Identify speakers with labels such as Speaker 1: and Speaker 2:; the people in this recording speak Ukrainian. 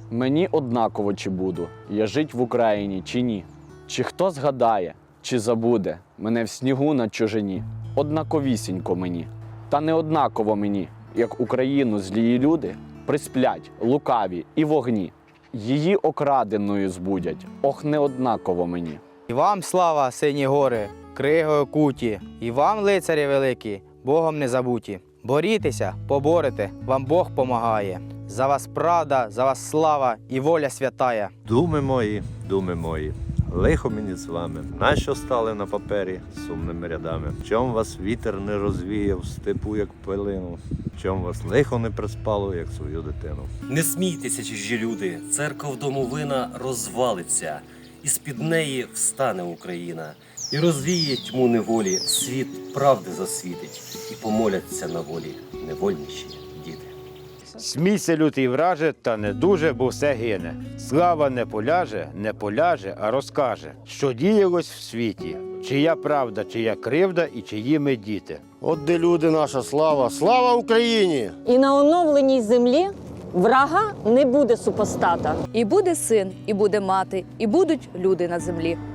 Speaker 1: Мені однаково, чи буду я жить в Україні, чи ні. Чи хто згадає, чи забуде мене в снігу на чужині. Однаковісінько мені, та не однаково мені, як Україну злії люди присплять, лукаві і вогні. Її окраденою збудять, ох, не однаково мені.
Speaker 2: І вам слава, сині гори, кригою куті, і вам, лицарі великі, Богом не забуті. Борітеся, поборете, вам Бог помагає. За вас правда, за вас слава і воля святая.
Speaker 3: Думи мої, лихо мені з вами, нащо стали на папері сумними рядами? Чом вас вітер не розвіяв в степу, як пилину? Чом вас лихо не приспало, як свою дитину?
Speaker 4: Не смійтеся, чужі люди, церков домовина розвалиться, і з-під неї встане Україна, і розвіє тьму неволі, світ правди засвітить, і помоляться на волі невольніші діти.
Speaker 5: Смійся, лютий враже, та не дуже, бо все гине. Слава не поляже, а розкаже, що діялось в світі, чия правда, чия кривда і чиї ми діти.
Speaker 6: От де люди наша слава, слава Україні!
Speaker 7: І на оновленій землі врага не буде супостата.
Speaker 8: І буде син, і буде мати, і будуть люди на землі.